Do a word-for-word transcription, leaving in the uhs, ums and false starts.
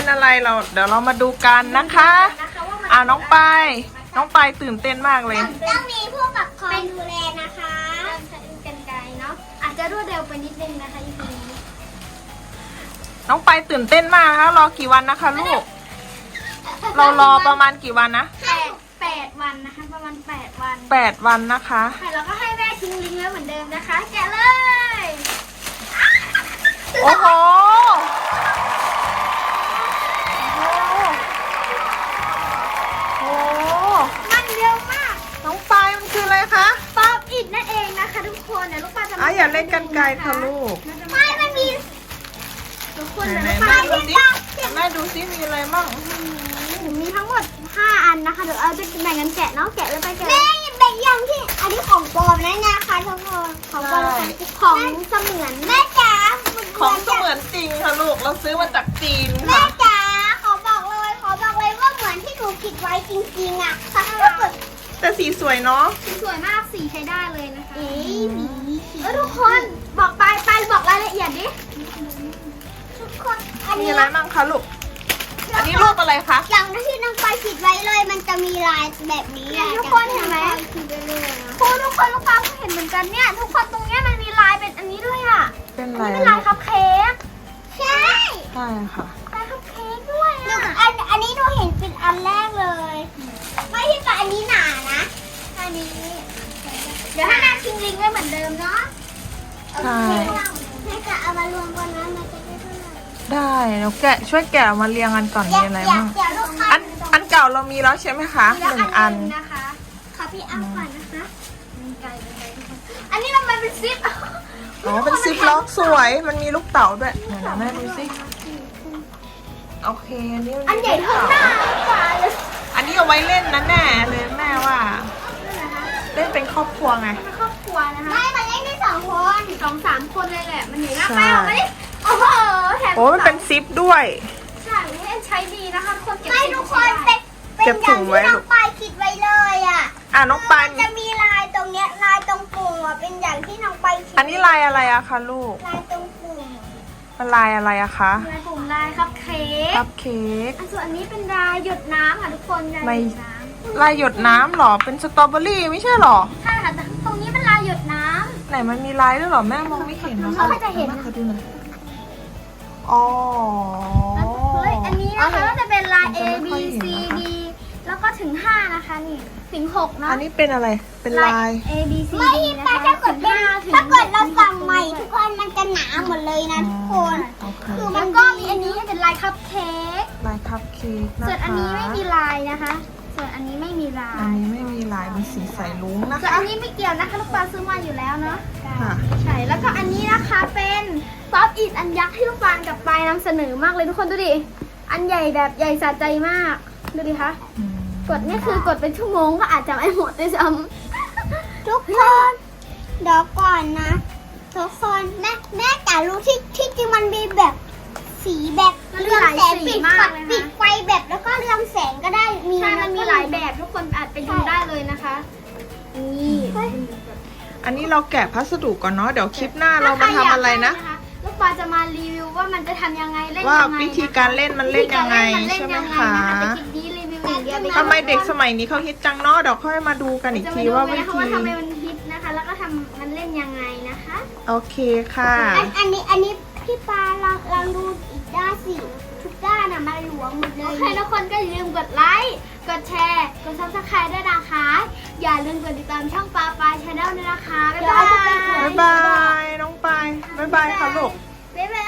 เป็นอะไรเราเดี๋ยวเรามาดูกันนะคะอ่าน้องปายน้องปายตื่นเต้นมากเลยต้องมีผู้ปกครองดูแลนะคะกันไกลเนาะอาจจะรวดเร็วไปนิดนึงนะคะอีพีนี้น้องปายตื่นเต้นมากนะคะรอกี่วันนะคะลูกเรารอประมาณกี่วันนะแปดแปดวันนะคะประมาณแปดวันแปดวันนะคะแล้วก็ให้แม่ทิ้งลิงก์ไว้เหมือนเดิมนะคะแกะเลยโอ้โหโอ้มันเร็วมากน้องปายมันคืออะไรคะป๊อปอิดนั่นเองนะคะทุกคนเดี๋ยวลูกปลาจะอ่ะอย่าเล่นกันไกลค่ะลูกไม่มันมีทุกคนไหนๆแม่ดูสิแม่ดูสิมีอะไรบ้างมีทั้งหมดห้าอันนะคะเดี๋ยวเอาจะแบ่งกันแกะเนาะแกะแล้วไปแกะแม่แบ่งอย่างที่อันนี้ของปลอมนะนะคะทุกคนของปลอมของเสมือนแม่จ๋าของเสมือนจริงค่ะลูกเราซื้อมาจากจีนแม่ค่ะจ๋าขอบอกเลยขอบอกเลยว่าเหมือนที่หนูคิดไว้จริงๆอ่ะค่ะแต่สีสวยเนาะสีสวยมากสีใช้ได้เลยนะคะเอ้ยสีแล้วทุกคนบอกไปไปบอกรายละเอียดดิทุกคนมีอะไรบ้างคะลูกอันนี้รูปอะไรคะอย่างที่น้องปายคิดไว้เลยมันจะมีลายแบบนี้ทุกคนเห็นไหมครูทุกคนลูกปลาก็เห็นเหมือนกันเนี่ยทุกคนตรงเนี้ยมันมีลายเป็นอันนี้ด้วยอ่ะเป็นลายเป็นลายคัพเค้กใช่ใช่ค่ะลายคัพเค้กด้วยอ่ะอันอันนี้หนูเห็นเป็นอันแรกเลยไม่ใช่แต่อันนี้หนานะอันนี้เดี๋ยวให้นางทิ้งลิงก์ไว้เหมือนเดิมเนาะใช่ให้จะเอามารวมกันนะมันจะได้เท่าไหร่ได้แล้วแกะช่วยแกะมาเรียงกันก่อนมีอะไรบ้างอันอันเก่าเรามีแล้วใช่ไหมคะหนึ่งอันนะคะขอพี่อ้ำก่อนนะคะอันนี้ทำไมเป็นซิปอ๋อเป็นซิปล็อกสวยมันมีลูกเต๋าด้วยไหนแม่ดูสิโอเคอันนี้อันใหญ่เท่าหน้ากว่าเลยอันนี้เอาไว้เล่นนะแน่เลยแม่ว่าเล่นเป็นครอบครัวไงครอบครัวนะคะไม่มันเล่นได้สองคนสองสามคนเลยแหละมันใหญ่มากไปเอาไปดิโอ้โหแถมโอ้มันเป็นซิปด้วยใช่ใช้ดีนะคะคนเก็บไม่ทุกคนเป็นเป็นอย่างที่น้องปายคิดไว้เลยอ่ะอ่ะน้องปายจะมีลายตรงเนี้ยลายตรงปุ่มอ่ะเป็นอย่างที่น้องปายคิดอันนี้ลายอะไรอะคะลูกลายตรงปุ่มมันลายอะไรอะคะลายปุ่มลายคัพเค้กคัพเค้กส่วนอันนี้เป็นลายหยดน้ำค่ะทุกคนลายหยดน้ำลายหยดน้ำหรอเป็นสตรอเบอรี่ไม่ใช่หรอใช่ค่ะแต่ตรงนี้เป็นลายหยดน้ำไหนมันมีลายด้วยหรอแม่มองไม่เห็นนะคะเขาจะเห็นนะคะดูหน่อยอ๋ออันนี้นะคะก็จะเป็นลาย A B C D แล้วก็ถึงห้านะคะนี่ถึงหกนะอันนี้เป็นอะไรเป็นลาย A B C D ไม่ถ้าเกิดเป็นถ้าเกิดเราสั่งใหม่ทุกคนมันจะหนาหมดเลยนะทุกคนคือมันก็มีอันนี้เป็นลายคัพเค้กลายคัพเค้กนะคะส่วนอันนี้ไม่มีลายนะคะส่วนอันนี้ไม่มีลายอันนี้ไม่มีลายเป็นสีใสลุ้งนะคะส่วนอันนี้ไม่เกี่ยวนะคะลูกปลาซื้อมาอยู่แล้วเนาะใช่แล้วก็อันนี้นะคะเป็นป๊อปอิดอันยักษ์ที่ลูกปลากับปลายนำเสนอมากเลยทุกคนดูดิอันใหญ่แบบใหญ่สะใจมากดูดิคะกดนี่คือกดเป็นชั่วโมงก็อาจจะไม่หมดด้วยซ้ำทุกคนเดี๋ยวก่อนนะทุกคนแม่แม่จ๋ารู้ที่ที่จริงมันมีแบบสีแบบเรืองแสงปิดปิดไฟแบบแล้วก็เรืองแสงก็ได้มีใช่มันมีหลายแบบทุกคนอาจไปดูได้เลยนะคะนี่อันนี้เราแกะพัสดุก่อนเนาะเดี๋ยวคลิปหน้าเรามาทำอะไรนะลูกปลาจะมารีวิวว่ามันจะทำยังไงเล่นยังไงว่าวิธีการเล่นมันเล่นยังไงใช่ไหมคะทำไมเด็กสมัยนี้เขาฮิตจังเนาะเดี๋ยวค่อยมาดูกันอีกทีว่าวิธีว่าทำไมมันฮิตนะคะแล้วก็ทำมันเล่นยังไงนะคะโอเคค่ะอันนี้อันนี้พี่ปลาลองลองดูอีกด้านสิทุกด้านอะมันหลวมหมดเลยโอเคทุกคนก็อย่าลืมกดไลค์กดแชร์กดซับสไครต์ด้วยนะคะอย่าลืมกดติดตามช่องปลาปลาชาแนลด้วยนะคะบ๊ายบายบ๊ายบายน้องปายบ๊ายบายค่ะลูกบ๊ายบาย